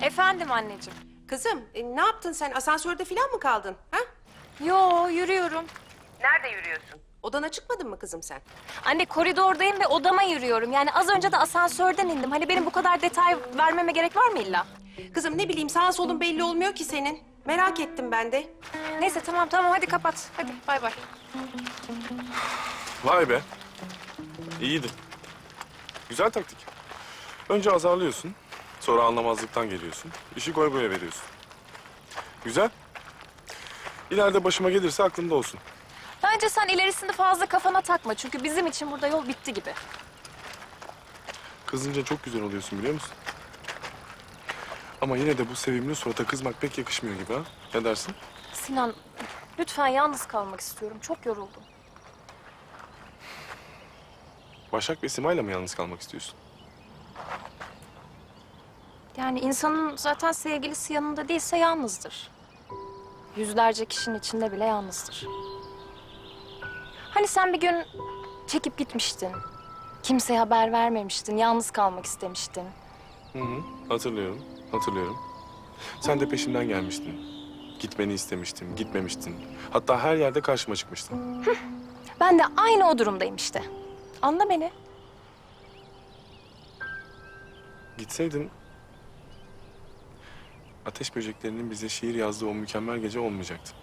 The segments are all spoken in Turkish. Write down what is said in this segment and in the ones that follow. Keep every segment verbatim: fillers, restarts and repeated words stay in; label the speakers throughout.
Speaker 1: Efendim anneciğim.
Speaker 2: Kızım e, ne yaptın sen? Asansörde falan mı kaldın? Ha?
Speaker 1: Yo, yürüyorum.
Speaker 2: Nerede yürüyorsun? Odana çıkmadın mı kızım sen?
Speaker 1: Anne koridordayım ve odama yürüyorum. Yani az önce de asansörden indim. Hani benim bu kadar detay vermeme gerek var mı illa?
Speaker 2: Kızım ne bileyim sağ solun belli olmuyor ki senin. Merak ettim ben de.
Speaker 1: Neyse tamam tamam hadi kapat. Hadi bay bay.
Speaker 3: Vay be. İyiydi. Güzel taktik. Önce azarlıyorsun, sonra anlamazlıktan geliyorsun. İşi goy goya veriyorsun. Güzel. İleride başıma gelirse aklımda olsun.
Speaker 1: Bence sen ilerisini fazla kafana takma. Çünkü bizim için burada yol bitti gibi.
Speaker 3: Kızınca çok güzel oluyorsun biliyor musun? Ama yine de bu sevimli surata kızmak pek yakışmıyor gibi ha. Ne dersin?
Speaker 1: Sinan, lütfen yalnız kalmak istiyorum. Çok yoruldum.
Speaker 3: Başak ve Sima'yla mı yalnız kalmak istiyorsun?
Speaker 1: Yani insanın zaten sevgilisi yanında değilse yalnızdır. Yüzlerce kişinin içinde bile yalnızdır. Hani sen bir gün çekip gitmiştin. Kimseye haber vermemiştin. Yalnız kalmak istemiştin.
Speaker 3: Hı hı. Hatırlıyorum, hatırlıyorum. Sen de peşimden gelmiştin. Gitmeni istemiştim, gitmemiştin. Hatta her yerde karşıma çıkmıştın.
Speaker 1: Ben de aynı o durumdayım işte. Anla beni.
Speaker 3: Gitseydin... Ateş böceklerinin bize şiir yazdığı o mükemmel gece olmayacaktı.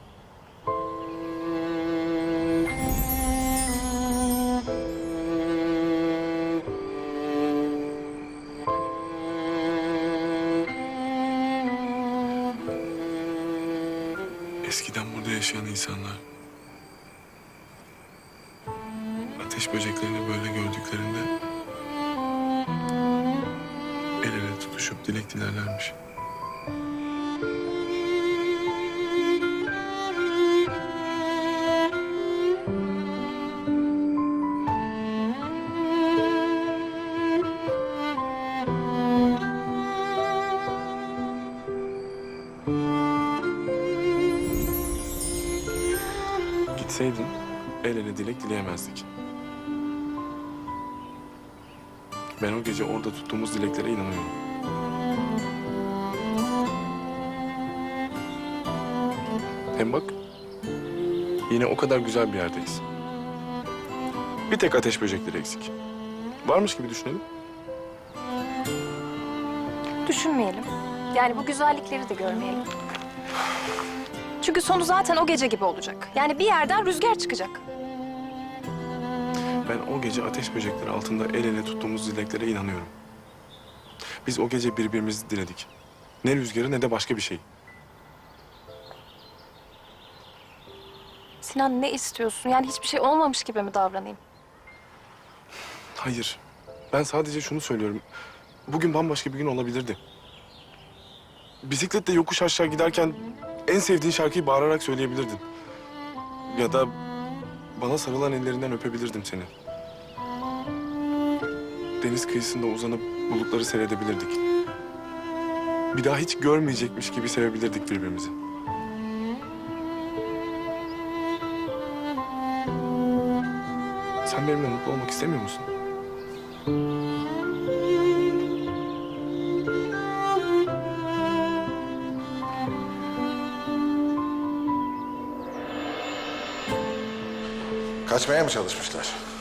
Speaker 3: Eskiden burada yaşayan insanlar... ateş böceklerini böyle gördüklerinde... el ele tutuşup dilek dilerlermiş. Gitseydin el ele dilek dileyemezdik. Ben o gece orada tuttuğumuz dileklere inanıyorum. Hem bak, yine o kadar güzel bir yerdeyiz. Bir tek ateş böcekleri eksik. Varmış gibi düşünelim.
Speaker 1: Düşünmeyelim. Yani bu güzellikleri de görmeyelim. Çünkü sonu zaten o gece gibi olacak. Yani bir yerden rüzgar çıkacak.
Speaker 3: Ben o gece ateş böcekleri altında el ele tuttuğumuz dileklere inanıyorum. Biz o gece birbirimizi diledik. Ne rüzgarı ne de başka bir şey.
Speaker 1: Sinan ne istiyorsun? Yani hiçbir şey olmamış gibi mi davranayım?
Speaker 3: Hayır. Ben sadece şunu söylüyorum. Bugün bambaşka bir gün olabilirdi. Bisikletle yokuş aşağı giderken en sevdiğin şarkıyı bağırarak söyleyebilirdin. Ya da bana sarılan ellerinden öpebilirdim seni. Deniz kıyısında uzanıp bulutları seyredebilirdik. Bir daha hiç görmeyecekmiş gibi sevebilirdik birbirimizi. Sen benimle mutlu olmak istemiyor musun?
Speaker 4: Kaçmaya mı çalışmışlar?